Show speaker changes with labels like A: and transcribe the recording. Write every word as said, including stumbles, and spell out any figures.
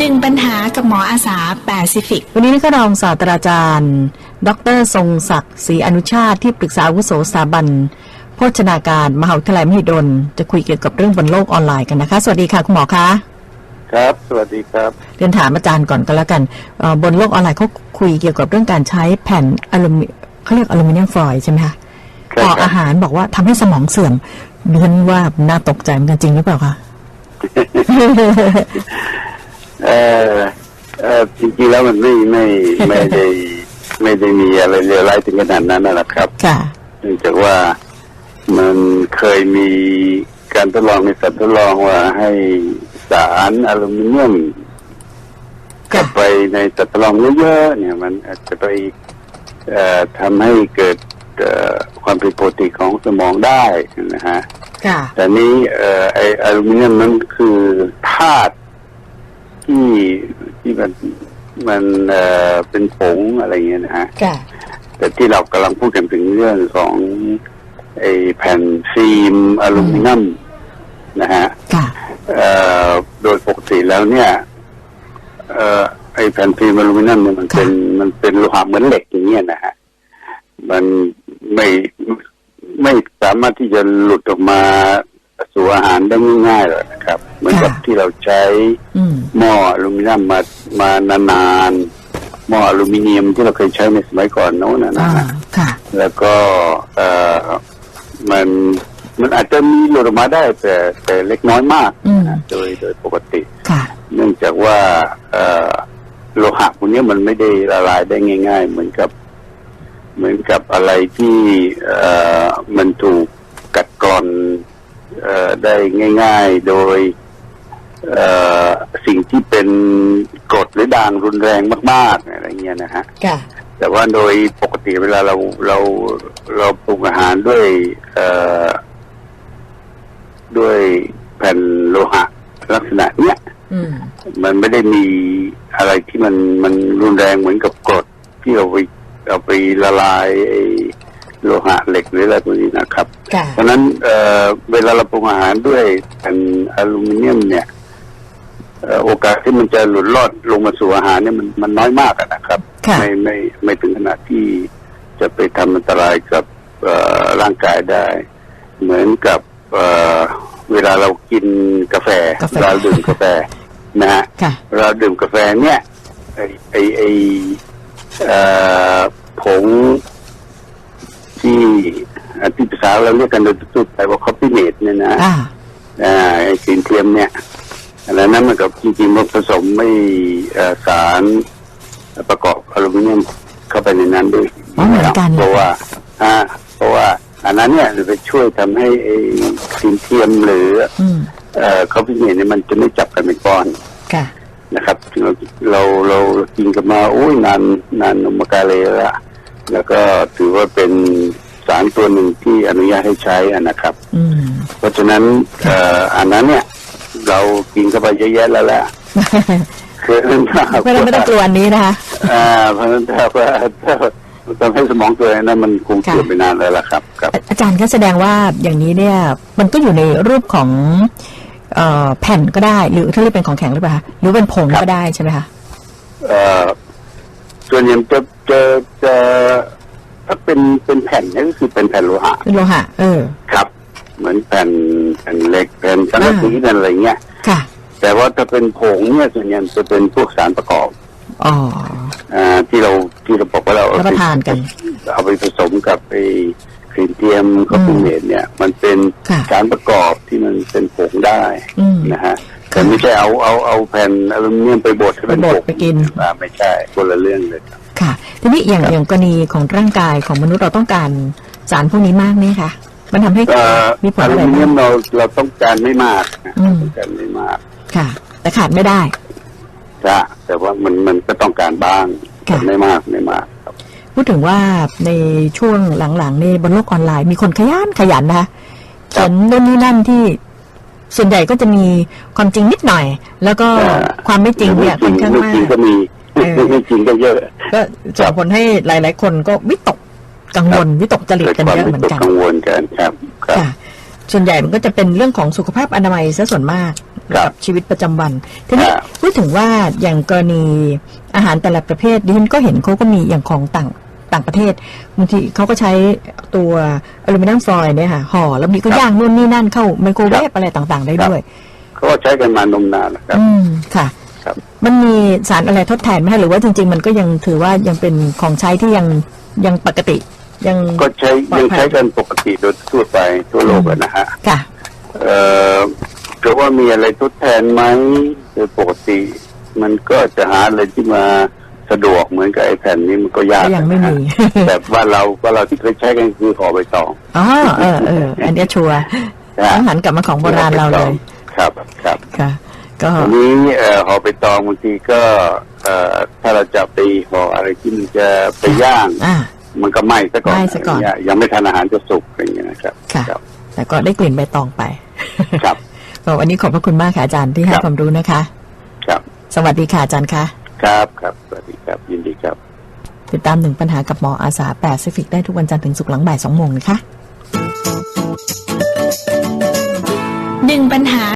A: หนึ่งปัญหากับหมออาสาแปซิฟิก
B: วันนี้นะคะรองศาสตราจารย์ดร.ทรงศักดิ์ศรีอนุชาติที่ปรึกษาอาวุโสสถาบันโภชนาการมหาวิทยาลัยมหิดลจะคุยเกี่ยวกับเรื่องบนโลกออนไลน์กันนะคะสวัสดีค่ะคุณหมอคะ
C: ครับสวัสดีครับ
B: เรียนถามอาจารย์ก่อนก็แล้วกันบนโลกออนไลน์เขาคุยเกี่ยวกับเรื่องการใช้แผ่นอลูมิเขาเรียกอลูมิเนียมฟอยล์ใช่ไหมคะต่ออาหารบอกว่าทำให้สมองเสื่อมเรียนว่าน่าตกใจเหมือนกันจริงหรือเปล่าคะ
C: เออเออจริงๆแล้วมันไม่ไม่ไม่ได้ไม่ได้มีอะไรเลวร้ายถึงขนาดนั้นนะครับ
B: ค่ะ
C: เนื่องจากว่ามันเคยมีการทดลองในสัตว์ทดลองว่าให้สารอลูมิเนียมกลับไปในสัตว์ทดลองเยอะๆเนี่ยมันอาจจะไปเอ่อทำให้เกิดเอ่อความผิดปกติของสมองได้นะฮะ
B: ค่ะ
C: แต่นี้เอ่อไออลูมิเนียมนั้นคือธาตุที่ที่มันมันเอ่อเป็นผงอะไรเงี้ยนะฮะ
B: ค่ะ
C: แต่ที่เรากำลังพูดกันถึงเรื่องของไอแผ่นฟิล์มอลูมิเนียมนะฮะ
B: ค่ะ
C: เอ่อโดยปกติแล้วเนี่ยเอ่อไอแผ่นฟิล์มอลูมิเนียมเนี่ยมันเป็นมันเป็นโลหะเหมือนเหล็กอย่างเงี้ยนะฮะมันไม่ไม่สามารถที่จะหลุดออกมาสู่อาหารได้ง่ายๆหรอกนะครับเหมือนกับที่เราใช้หม้ออลูมิเนียมมามานานๆหม้ออลูมิเนียมที่เราเคยใช้ในสมัยก่อนโน้นนะฮะแล้วก็เอ่อมันมันอาจจะมีหลุดออกมาได้แต่แต่เล็กน้อยมากนะโดยโดยปกติเนื่องจากว่าเอ่อโลหะพวกนี้มันไม่ได้ละลายได้ง่ายๆเหมือนกับเหมือนกับอะไรที่เอ่อมันถูกกัดกร่อนเอ่อได้ง่ายๆโดยเอ่อสิ่งที่เป็นกรดหรือด่างรุนแรงมากๆอะไรเงี้ยนะฮะแต่ว่าโดยปกติเวลาเราเราเราปรุงอาหารด้วยเอ่อด้วยแผ่นโลหะลักษณะเนี้ยมันไม่ได้มีอะไรที่มันมันรุนแรงเหมือนกับกรดที่เราไปเอาไปละลายไอ้โลหะเหล็กหรืออะไรพวกนี้นะครับเพราะนั้นเอ่อเวลาเราปรุงอาหารด้วยแผ่นอลูมิเนียมเนี่ยโอกาสที่มันจะหลุดรอดลงมาสู่อาหารเนี่ยมันมันน้อยมากนะครับไม่ไม่ไม่ถึงขนาดที่จะไปทำอันตรายกับร่างกายได้เหมือนกับเเวลาเรากินกาแฟเราดื่มกาแฟนะฮะเราดื่มกาแฟเนี่ยไอไอไอผงที่ที่ภาษาเราเรียกกันโดยทั่วไปว่าคอฟฟี่เมดเนี่ยนะไอสีเทียมเนี่ยแล้วนั้นมันกับจริงๆมันผสมไม่สารประกอบอลูมิเนียมเข้าไปในนั้นด้วยเพราะว่าเพราะว่าอันนั้นเนี่ยจะไปช่วยทำให้ไอ้สีเทียมหรือคอฟฟี่เมดเนี่ยมันจะไม่จับกันเป็นก้อนนะครับเราเราเรากินกันมาโอ้ยนานนานนมกาเลยละแล้วก็ถือว่าเป็นสารตัวหนึ่งที่อนุญาตให้ใช้นะครับเพราะฉะนั้นอันนั้นเนี่ยเรากินเข้าไปเยอะแยะแล้วแหละคือ
B: ไม่ต้องไม่ต้องกลัวอันนี้นะคะ
C: อ่าเพราะฉะนั้นถ้าว่าทำให้สมองตัวนั้นมันคงเสื่อมไปนานแล้วล่ะครับครับ
B: อาจารย์ก็แสดงว่าอย่างนี้เนี่ยมันก็อยู่ในรูปของเอ่อแผ่นก็ได้หรือถ้าเรียกเป็นของแข็งหรือเปล่าหรือเป็นผงก็ได้ใช่ไหมคะ
C: เอ่อส่วนใหญ่จะจะจะถ้าเป็นเป็นแผ่นนี่ก็คือเป็นแผ่นโลหะ
B: เป็นโลหะเออ
C: ครับเหมือนแผ่นแผ่นเหล็กแผ่นสังกะสีนั่นอะไรเงี้ย
B: ค่ะ
C: แต่ว่าถ้าเป็นผงเนี่ยส่วนใหญ่จะเป็นพวกสารประกอบ
B: อ๋อ
C: อ่าที่เราที่เราบอกว่าเรา
B: รับประทานกัน
C: เอาไปผสมกับไอ้ครีมเทียมคอฟฟี่เมดเนี่ยมันเป็นสารประกอบที่มันเป็นผงได้นะฮะแต่ไม่ใช่เอาเอาเอาแผ่นอลูมิเนียมไปบดให้เป็นผง
B: ไปกิน
C: ไม่ใช่คนละเรื่องเลย
B: ค่ะทีนี้อย่างอย่างกรณีของร่างกายของมนุษย์เราต้องการสารพวกนี้มากไหมคะมันทำให้มีผลอะไร
C: อลูมิเนียมเราเราต้องการไม่มากต้องการไม่มาก
B: ค่ะแต่ขาดไม่ได้
C: จ้ะแต่ว่ามันมันก็ต้องการบ้างแต่ไม่มากไม่มาก
B: พูดถึงว่าในช่วงหลังๆในบนโลกออนไลน์มีคนขยันขยันนะคะเขียนโน่นนี่นั่นที่ส่วนใหญ่ก็จะมีความจริงนิดหน่อยแล้วก็ความไม่จริงเนี่ยค่อนข้างมาก
C: ไม่จริงก็มีไม่จริงก็เยอะ
B: ก็ส่งผลให้หลายๆคนก็วิตกกังวลวิตกจริตกันเยอะเหมือนกัน
C: กังวลกันครับ
B: ค่ะส่วนใหญ่มันก็จะเป็นเรื่องของสุขภาพอนามัยซะส่วนมาก
C: ครับ
B: กับชีวิตประจำวันทีนี้
C: ครับ
B: พูดถึงว่าอย่างกรณีอาหารแต่ละประเภทดิฉันก็เห็นเขาก็มีอย่างของต่างต่างประเทศบางทีเขาก็ใช้ตัวอลูมิเนียมฟอยล์เนี่ยค่ะห่อแล้วมีก็ย่างนู่นนี่นั่นเข้าไมโครเวฟอะไรต่างๆ ได้ด้วย
C: เขาก็ใช้กันมานมนานแล้วครับ
B: อืมค่ะ
C: ครับ
B: มันมีสารอะไรทดแทนไหมคะหรือว่าจริงๆ มันก็ยังถือว่ายังเป็นของใช้ที่ยังยังปกติยัง
C: ก็ใช้
B: ปลอดภัย
C: ยังใช้กันปกติโดยทั่วไปทั่วโลกอะนะฮะ
B: ค่ะ
C: เอ่อจะว่ามีอะไรทดแทนไหมโดยปกติ มันก็จะหาอะไรที่มาสะดวกเหมือนกับไอ้แผ่นนี้มันก็ยาก
B: ก็ยังไม่มี
C: นะฮะ แต่ว่าเราว่าเราที่เคยใช้กันคือห่อใบตอง
B: อ๋อเออเอออันเนี้ยชัวร์
C: นะ
B: ต้องหันกลับมาของโบราณเราเลย
C: ครับครับ
B: ค่ะ ก็
C: ทีนี้เอ่อห่อใบตองบางทีก็เอ่อถ้าเราจะไปห่ออะไรที่มันจะไปย่าง
B: อ่า
C: มันก็ไหม้ซะก่อน
B: ไหม้ซะก่อน
C: ยังยังไม่ทันอาหารจะสุกอะไรอย่างเงี้ยนะครับ
B: ค่ะ
C: ครับ
B: แต่ก็ได้กลิ่นใบตองไป
C: ครับ
B: ก็วันนี้ขอบพระคุณมากค่ะอาจารย์ที่ให้
C: ครับ
B: ความรู้นะคะ
C: ครับ
B: สวัสดีค่ะอาจารย์คะ
C: ครับครับสวัสดีครับยินดีครับ
B: ติดตามหนึ่งปัญหากับหมออาสาแปซิฟิกได้ทุกวันจันทร์ถึงศุกร์หลังบ่ายสองโมงนะคะ
A: หนึ่งปัญหา